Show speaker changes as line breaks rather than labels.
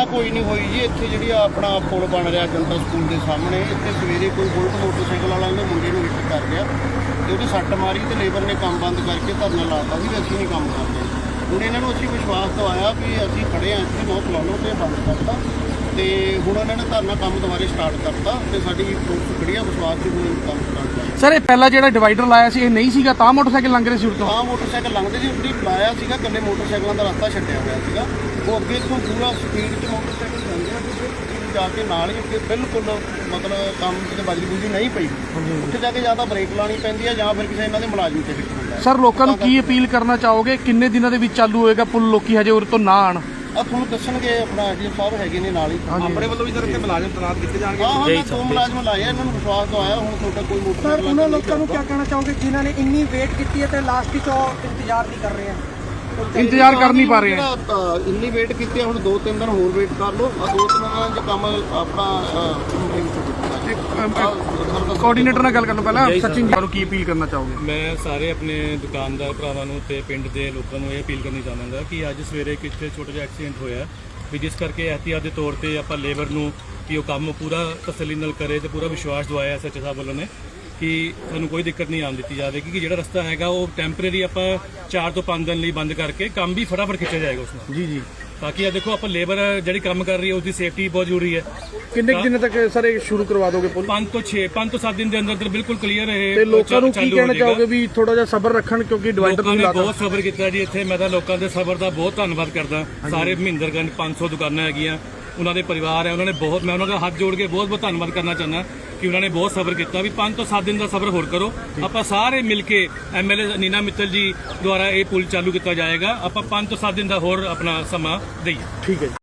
ਕੋਈ ਨਹੀਂ ਹੋਈ ਜੀ। ਇੱਥੇ ਜਿਹੜੀ ਆਪਣਾ ਪੁਲ ਬਣ ਰਿਹਾ ਜਨਤਾ ਸਕੂਲ ਦੇ ਸਾਹਮਣੇ, ਇੱਥੇ ਸਵੇਰੇ ਕੋਈ ਬੁਲਟ ਮੋਟਰਸਾਈਕਲ ਵਾਲਾ ਉਹਨੇ ਮੁੰਡੇ ਨੂੰ ਹਿੱਟ ਕਰ ਗਿਆ ਤੇ ਉਹਦੀ ਸੱਟ ਮਾਰੀ ਤੇ ਲੇਬਰ ਨੇ ਕੰਮ ਬੰਦ ਕਰਕੇ ਧਰਨਾ ਲਾਤਾ ਸੀ ਵੀ ਅਸੀਂ ਨਹੀਂ ਕੰਮ ਕਰਦੇ। ਹੁਣ ਇਹਨਾਂ ਨੂੰ ਅਸੀਂ ਵਿਸ਼ਵਾਸ ਦਵਾਇਆ ਵੀ ਅਸੀਂ ਖੜੇ ਹਾਂ ਇੱਥੇ, ਨੋ ਪ੍ਰੋਬਲਮ ਤੇ ਬੰਦ ਕਰਤਾ ਤੇ ਹੁਣ ਇਹਨਾਂ ਨੇ ਧਰਨਾ ਕੰਮ ਦੁਬਾਰੇ ਸਟਾਰਟ ਕਰਤਾ ਤੇ ਸਾਡੀ ਪੁਲਿਸ ਖੜੀ ਆ ਵਿਸ਼ਵਾਸ 'ਚ ਹੁਣ ਕੰਮ ਸਟਾਰਟ ਕਰ।
ਸਰ ਇਹ ਪਹਿਲਾਂ ਜਿਹੜਾ ਡਿਵਾਈਡਰ ਲਾਇਆ ਸੀ ਇਹ ਨਹੀਂ ਸੀਗਾ ਤਾਂ ਮੋਟਰਸਾਈਕਲ ਲੰਘ ਰਹੇ ਸੀ ਉਰਤੋਂ?
ਹਾਂ ਮੋਟਰਸਾਈਕਲ ਲੰਘਦੇ ਸੀ, ਉੱਤੇ ਲਾਇਆ ਸੀਗਾ, ਇਕੱਲੇ ਮੋਟਰਸਾਈਕਲਾਂ ਦਾ ਰਸਤਾ ਛੱਡਿਆ ਹੋਇਆ ਸੀਗਾ। ਉਹ ਅੱਗੇ ਤੋਂ ਪੂਰਾ ਸਪੀਡ 'ਚ ਮੋਟਰਸਾਈਕਲ ਜਾਂਦੇ ਆ ਤੇ ਜਾ ਕੇ ਨਾਲ ਹੀ ਅੱਗੇ ਬਿਲਕੁਲ ਮਤਲਬ ਕੰਮ ਤੇ ਬਜਰੀ ਬੁਜਰੀ ਨਹੀਂ ਪਈ, ਉੱਥੇ ਜਾ ਕੇ ਜਾਂ ਤਾਂ ਬ੍ਰੇਕ ਲਾਉਣੀ ਪੈਂਦੀ ਹੈ ਜਾਂ ਫਿਰ ਕਿਸੇ ਇਹਨਾਂ ਦੇ ਮੁਲਾਜ਼ਮ ਤੇ ਫਿੱਟ ਹੁੰਦਾ।
ਸਰ ਲੋਕਾਂ ਨੂੰ ਕੀ ਅਪੀਲ ਕਰਨਾ ਚਾਹੋਗੇ, ਕਿੰਨੇ ਦਿਨਾਂ ਦੇ ਵਿੱਚ ਚਾਲੂ ਹੋਏਗਾ ਪੁਲ? ਲੋਕੀ ਹਜੇ ਉਰੇ ਤੋਂ ਨਾ ਆਣ,
ਆ ਤੁਹਾਨੂੰ ਦੱਸਣਗੇ, ਆਪਣਾ ਐਡੀਐਮ ਸਾਹਿਬ ਹੈਗੇ ਨੇ ਨਾਲ ਹੀ।
ਆਪਣੇ ਵੱਲੋਂ ਵੀ ਸਰ ਇੱਥੇ ਮੁਲਾਜ਼ਮ ਤੈਨਾਤ ਕੀਤੇ ਜਾਣਗੇ।
ਹਾਂ ਮੈਂ 2 ਮੁਲਾਜ਼ਮ ਲਾਏ ਆ, ਇਹਨਾਂ ਨੂੰ ਵਿਸ਼ਵਾਸ ਦਵਾਇਆ। ਹੁਣ ਤੁਹਾਡਾ ਕੋਈ ਮੋਟਰ
ਸਰ ਉਹਨਾਂ ਲੋਕਾਂ ਨੂੰ ਕੀ ਕਹਿਣਾ ਚਾਹੋਗੇ ਜਿਨ੍ਹਾਂ ਨੇ ਇੰਨੀ ਵੇਟ ਕੀਤੀ ਹੈ ਤੇ ਲਾਸਟ ਵਿੱਚ ਉਹ ਇੰਤਜ਼ਾਰ ਨਹੀਂ ਕਰ ਰਹੇ ਆ?
ਇੰਤਜ਼ਾਰ ਕਰ ਨਹੀਂ ਪਾ ਰਹੇ ਆ।
ਇੰਨੀ ਵੇਟ ਕੀਤੀ, ਹੁਣ 2-3 ਦਿਨ ਹੋਰ ਵੇਟ ਕਰ ਲਓ। 2-3 ਦਿਨਾਂ 'ਚ ਕੰਮ ਆਪਣਾ
ਕੋਆਰਡੀਨੇਟਰ ਨਾਲ ਗੱਲ ਕਰਨ ਪਹਿਲਾਂ ਸਚਿਨ ਜੀ ਨੂੰ ਕੀ ਅਪੀਲ ਕਰਨਾ ਚਾਹੋਗੇ?
ਮੈਂ ਸਾਰੇ ਆਪਣੇ ਦੁਕਾਨਦਾਰ ਭਰਾਵਾਂ ਨੂੰ ਤੇ ਪਿੰਡ ਦੇ ਲੋਕਾਂ ਨੂੰ ਇਹ ਅਪੀਲ ਕਰਨੀ ਚਾਹਾਂਗਾ ਕਿ ਅੱਜ ਸਵੇਰੇ ਕਿਤੇ ਛੋਟਾ ਜਿਹਾ ਐਕਸੀਡੈਂਟ ਹੋਇਆ ਵੀ ਜਿਸ ਕਰਕੇ ਇਹਤਿਆਤ ਦੇ ਤੌਰ ਤੇ ਆਪਾਂ ਲੇਬਰ ਨੂੰ ਕਿ ਉਹ ਕੰਮ ਪੂਰਾ ਤਸੱਲੀ ਨਾਲ ਕਰੇ ਤੇ ਪੂਰਾ ਵਿਸ਼ਵਾਸ ਦਵਾਇਆ ਐਸਐਚਓ ਸਾਹਿਬ ਵੱਲੋਂ ਨੇ ਕਿ ਸਾਨੂੰ ਕੋਈ ਦਿੱਕਤ ਨਹੀਂ ਆਉਣ ਦਿੱਤੀ ਜਾਵੇਗੀ ਕਿ ਜਿਹੜਾ ਰਸਤਾ ਹੈਗਾ ਉਹ ਟੈਂਪਰੇਰੀ ਆਪਾਂ 4 ਤੋਂ 5 ਦਿਨ ਲਈ ਬੰਦ ਕਰਕੇ ਕੰਮ ਵੀ ਫਟਾਫਟ ਖਿੱਚਿਆ ਜਾਏਗਾ ਉਸ ਨਾਲ।
ਜੀ ਜੀ।
ਬਾਕੀ ਆ ਦੇਖੋ ਆਪਾਂ ਲੇਬਰ ਜਿਹੜੀ ਕੰਮ ਕਰ ਰਹੀ ਹੈ ਉਸਦੀ ਸੇਫਟੀ ਬਹੁਤ ਜ਼ਰੂਰੀ ਹੈ।
ਕਿੰਨੇ ਦਿਨਾਂ ਤੱਕ ਸਰ ਇਹ ਸ਼ੁਰੂ ਕਰਵਾ ਦੋਗੇ ਪੁਲ?
5 ਤੋਂ 7 ਦਿਨ ਦੇ ਅੰਦਰ ਬਿਲਕੁਲ ਕਲੀਅਰ ਹੈ।
ਤੇ ਲੋਕਾਂ ਨੂੰ ਕੀ ਕਹਿਣਾ ਚਾਹੋਗੇ ਵੀ ਥੋੜਾ ਜਿਹਾ ਸਬਰ ਰੱਖਣ ਕਿਉਂਕਿ ਡਿਵਾਈਡਰ
ਲੋਕਾਂ
ਨਹੀਂ
ਨੇ
ਲਾਤਾ?
ਬਹੁਤ ਸਬਰ ਕੀਤਾ ਜੀ ਇੱਥੇ। ਮੈਂ ਤਾਂ ਲੋਕਾਂ ਦੇ ਸਬਰ ਦਾ ਬਹੁਤ ਧੰਨਵਾਦ ਕਰਦਾ। ਸਾਰੇ ਮਹਿੰਦਰਗੰਜ 500 ਦੁਕਾਨਾਂ ਹੈਗੀਆਂ, ਉਹਨਾਂ ਦੇ ਪਰਿਵਾਰ ਹੈ, ਉਹਨਾਂ ਨੇ ਬਹੁਤ, ਮੈਂ ਉਹਨਾਂ ਦਾ ਹੱਥ ਜੋੜ ਕੇ ਬਹੁਤ ਧੰਨਵਾਦ ਕਰਨਾ ਚਾਹੁੰਦਾ ਕਿ ਉਹਨਾਂ ਨੇ ਬਹੁਤ ਸਬਰ ਕੀਤਾ ਵੀ 5 ਤੋਂ 7 ਦਿਨ ਦਾ ਸਬਰ ਹੋਰ ਕਰੋ। ਆਪਾਂ ਸਾਰੇ ਮਿਲ ਕੇ ਐਮਐਲਏ ਨੀਨਾ ਮਿੱਤਲ ਜੀ ਦੁਆਰਾ ਇਹ ਪੁਲ ਚਾਲੂ ਕੀਤਾ ਜਾਏਗਾ। ਆਪਾਂ 5 ਤੋਂ 7 ਦਿਨ ਦਾ ਹੋਰ ਆਪਣਾ ਸਮਾਂ ਦਈਏ।
ਠੀਕ ਹੈ ਜੀ।